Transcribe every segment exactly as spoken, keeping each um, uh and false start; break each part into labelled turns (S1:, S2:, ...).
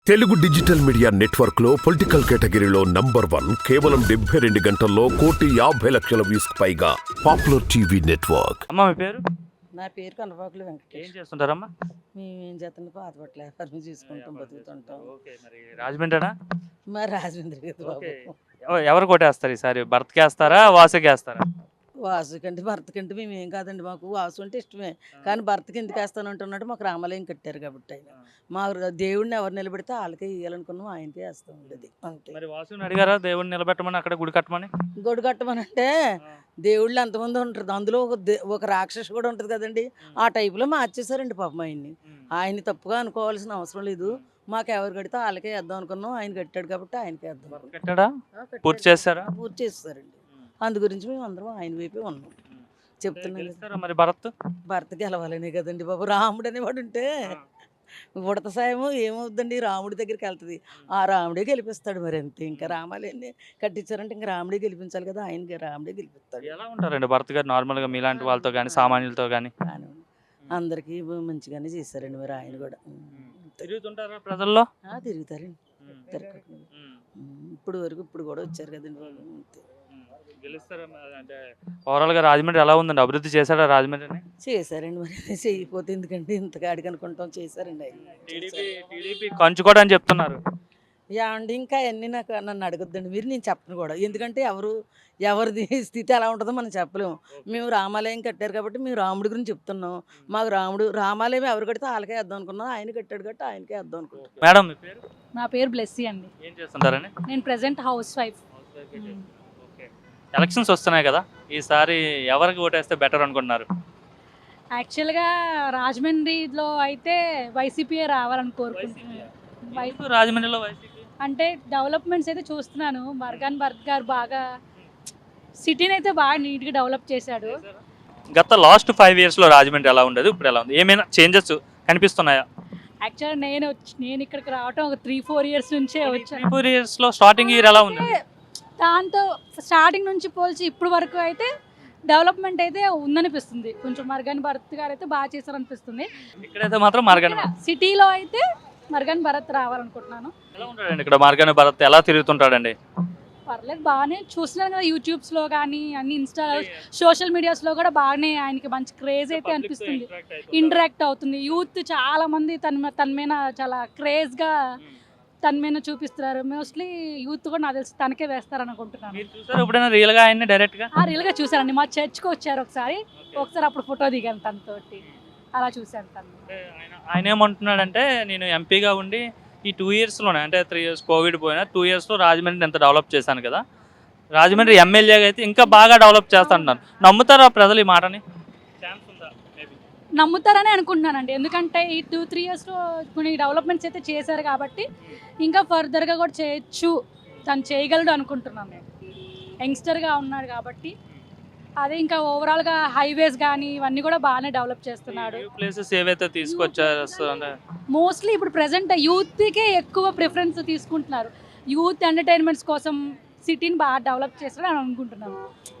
S1: Telugu digital media network లో political కేటగిరీలో number one కేవలం డెబ్బై రెండు గంటల్లో కోటి యాభై లక్షల వ్యూస్ పైగా పాపులర్ టీవీ నెట్వర్క్.
S2: అమ్మ మీ పేరు?
S3: నా పేరు కనపాకులు
S2: ఏం
S3: వెంకటేష్.
S2: చేస్తుంటారమ్మా?
S3: మేము ఏం చేస్తాం, పాత బట్టల వ్యాపారం చేసుకుంటాం, బతుకుతుంటాం.
S2: ఓకే, మరి రాజమండ్రినా?
S3: మరి రాజమండ్రి కదా బాబు.
S2: ఓకే. ఎవ- ఎవరు కొట్టేస్తారు ఈసారి? భర్తకి వేస్తారా, వాసుకి వేస్తారా?
S3: వాసు కంటే భర్త కంటే మేము ఏం కాదండి, మాకు వాసు అంటే ఇష్టమే. కానీ భర్తకి ఎందుకు వేస్తానంటున్నాడు, మాకు రామాలయం కట్టారు కాబట్టి ఆయన మా దేవుడిని ఎవరు నిలబెడితే వాళ్ళకే ఇవ్వాలనుకున్నాం, ఆయనకే వేస్తాం ఉండేది అంతే.
S2: మరి వాసుని అడిగారా దేవుడిని నిలబెట్టమని, అక్కడ గుడి కట్టమని?
S3: గొడు కట్టమనంటే దేవుళ్ళు ఎంతమంది ఉంటుంది, అందులో ఒక దే- ఒక రాక్షసు కూడా ఉంటుంది కదండి, ఆ టైపులో మార్చేశారండి పాపం ఆయన్ని. ఆయన్ని తప్పుగా అనుకోవాల్సిన అవసరం లేదు, మాకు ఎవరు కడితే వాళ్ళకే వేద్దాం అనుకున్నాం, ఆయన కట్టాడు కాబట్టి ఆయనకే వేద్దాం అనుకున్నాం.
S2: కట్టాడా?
S3: ఆ, కట్టాడు.
S2: పూర్తి చేస్తారా?
S3: పూర్తి చేస్తారండి. అందు గురించి మేము అందరం ఆయన వైపే ఉన్నాం, చెప్తున్నాం కదా.
S2: గెలుస్తారా మరి భరత్?
S3: భర్త గెలవాలనే కదండి బాబు. రాముడు అనేవాడు ఉంటే ఉడత సాయము ఏమవుద్దండి, రాముడి దగ్గరికి వెళ్తుంది, ఆ రాముడే గెలిపిస్తాడు. మరి అంతే, ఇంకా రామాలయాన్ని కట్టించారంటే ఇంకా రాముడే గెలిపించాలి కదా, ఆయన రాముడే గెలిపిస్తాడు.
S2: ఎలా ఉంటారండి భరత్ గారు నార్మల్ గా మీలాంటి వాళ్ళతో కానీ సామాన్యులతో కానీ?
S3: కానీ అందరికీ మంచిగానే చేశారండి మరి ఆయన కూడా.
S2: తిరుగుతుంటారా ప్రజల్లో?
S3: ఆ, తిరుగుతారండి, తిరగకుండా. ఇప్పుడు వరకు ఇప్పుడు కూడా వచ్చారు కదండి బాబు, అంతే.
S2: గెలుస్తారా మరి? అంటే ఓవరాల్ గా రాజమండ్రి ఎలా ఉందండి? అభివృద్ధి చేశాడా రాజమండ్రిని?
S3: చేశారండి మరి, చేయకపోతే ఎందుకంటే ఇంతకాడికి అనుకుంటాం, చేశారండి ఆయన.
S2: టీడీపీ టీడీపీ కంచుకోవడం అని చెప్తున్నారు.
S3: ఏమండి ఇంకా అన్నీ నాకు నన్ను అడగొద్దండి మీరు, నేను చెప్పను కూడా, ఎందుకంటే ఎవరు ఎవరిది స్థితి ఎలా ఉంటుందో మనం చెప్పలేము. మేము రామాలయం కట్టారు కాబట్టి మేము రాముడి గురించి చెప్తున్నాం. మాకు రాముడు రామాలయం ఎవరు కడితే వాళ్ళకే వేద్దాం అనుకున్నాం, ఆయన కట్టాడు కాబట్టి ఆయనకే వేద్దాం అనుకుంటున్నాం.
S2: మేడం మీ పేరు?
S4: నా పేరు బ్లెస్సీ అండి.
S2: ఏం చేస్తుంటారని?
S4: నేను ప్రెసెంట్ హౌస్ వైఫ్.
S2: ఎలక్షన్స్ వస్తున్నాయి కదా, ఈసారి ఎవరికి ఓటేస్తే బెటర్ అనుకుంటున్నారు?
S4: యాక్చువల్గా రాజమండ్రిలో అయితే వైసీపీఏ రావాలని కోరుకుంటున్నాను. వై-
S2: ఎందుకు రాజమండ్రిలో వైసీపీ?
S4: అంటే డెవలప్మెంట్స్ అయితే చూస్తున్నాను, మర్గాన్ భరత్ గారు బాగా సిటీని అయితే బాగా నీట్గా డెవలప్ చేశాడు.
S2: గత లాస్ట్ ఫైవ్ ఇయర్స్ లో రాజమండ్రి ఎలా ఉండదు, ఇప్పుడు ఎలా ఉంది? ఏమైనా చేంజెస్ కనిపిస్తున్నాయా?
S4: యాక్చువల్గా నేను వచ్చి- నేను ఇక్కడికి రావటం ఒక త్రీ ఫోర్ ఇయర్స్ నుంచే వచ్చాను.
S2: ఫోర్ ఇయర్స్ లో స్టార్టింగ్ ఇయర్ ఎలా ఉంది?
S4: దాంతో స్టార్టింగ్ నుంచి పోల్చి ఇప్పుడు వరకు అయితే డెవలప్మెంట్ అయితే ఉందనిపిస్తుంది. కొంచెం మర్గాన్ భరత్ గారు అయితే బాగా చేశారనిపిస్తుంది.
S2: ఇక్కడైతే మాత్రం మార్గాన్
S4: సిటీలో అయితే మర్గాన్ భరత్ రావాలనుకుంటున్నాను.
S2: ఎలా ఉంటాడండి ఇక్కడ? మార్గాన్ భరత్ ఎలా తిరుగుతుంటాడండి?
S4: పర్లేదు, బాగానే చూస్తున్నాను కదా, యూట్యూబ్స్లో కానీ అన్ని ఇన్స్టా సోషల్ మీడియాస్లో కూడా బాగానే ఆయనకి మంచి క్రేజ్ అయితే అనిపిస్తుంది, ఇంటరాక్ట్ అవుతుంది. యూత్ చాలా మంది తన తన మీద చాలా క్రేజ్గా తన మీద చూపిస్తున్నారు. మోస్ట్లీ యూత్ కూడా నాకు తెలిసి తనకే వేస్తారు అనుకుంటున్నాను.
S2: మీరు చూసారు ఎప్పుడైనా రియల్ గా ఆయన్ని డైరెక్ట్ గా?
S4: ఆ రియల్గా చూసానండి, మా చర్చ్కి వచ్చారు ఒకసారి, ఒకసారి అప్పుడు ఫోటో దిగాను తనతోటి, అలా చూశాను తను.
S2: ఆయన ఆయన ఏమంటున్నాడంటే, నేను ఎంపీగా ఉండి ఈ టూ ఇయర్స్లోనే అంటే త్రీ ఇయర్స్ కోవిడ్ పోయినా టూ ఇయర్స్లో రాజమండ్రిని ఎంత డెవలప్ చేశాను కదా, రాజమండ్రి ఎమ్మెల్యేగా అయితే ఇంకా బాగా డెవలప్ చేస్తా అంటున్నాను. నమ్ముతారా ప్రజలు ఈ మాటని? ఛాన్స్ ఉందా? మేబీ
S4: నమ్ముతారని అనుకుంటున్నానండి, ఎందుకంటే ఈ టూ త్రీ ఇయర్స్లో కొన్ని డెవలప్మెంట్స్ అయితే చేశారు కాబట్టి ఇంకా ఫర్దర్గా కూడా చేయొచ్చు, తను చేయగలడు అనుకుంటున్నాను. యంగ్స్టర్గా ఉన్నాడు కాబట్టి అదే, ఇంకా ఓవరాల్గా హైవేస్ కానీ ఇవన్నీ కూడా బాగానే డెవలప్ చేస్తున్నాడు.
S2: ప్లేసెస్ ఏవైతే తీసుకొచ్చారు అంటే
S4: మోస్ట్లీ ఇప్పుడు ప్రజెంట్ యూత్కే ఎక్కువ ప్రిఫరెన్స్ తీసుకుంటున్నారు. యూత్ ఎంటర్టైన్మెంట్స్ కోసం సిటీని బాగా డెవలప్ చేస్తాడు అని అనుకుంటున్నాను.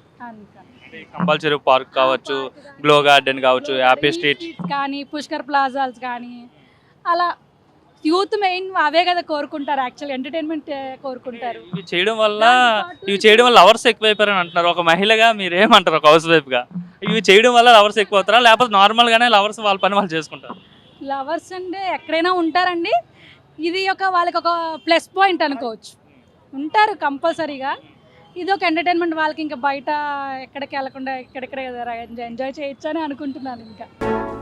S4: అందుకని
S2: కంపల్సరీ పార్క్ కావచ్చు, గ్లో గార్డెన్ కావచ్చు, హ్యాపీ స్ట్రీట్
S4: కానీ పుష్కర్ ప్లాజాస్ కానీ అలా యూత్ మెయిన్ అవే కదా కోరుకుంటారు, యాక్చువల్ ఎంటర్టైన్మెంట్ కోరుకుంటారు.
S2: ఇవి చేయడం వల్ల ఇవి చేయడం వల్ల లవర్స్ ఎక్కువైపోయారని అంటున్నారు. ఒక మహిళగా మీరు ఏమంటారు, ఒక హౌస్ వైఫ్ గా? ఇవి చేయడం వల్ల లవర్స్ ఎక్కువ అవుతారా, లేకపోతే నార్మల్ గానే లవర్స్ వాళ్ళ పని వాళ్ళు చేసుకుంటారు?
S4: లవర్స్ అంటే ఎక్కడైనా ఉంటారండి, ఇది ఒక వాళ్ళకి ఒక ప్లస్ పాయింట్ అనుకోవచ్చు, ఉంటారు కంపల్సరీగా. ఇది ఒక ఎంటర్టైన్మెంట్ వాళ్ళకి, ఇంకా బయట ఎక్కడికి వెళ్ళకుండా ఇక్కడెక్కడ ఎంజాయ్ చేయొచ్చు అని అనుకుంటున్నాను ఇంకా.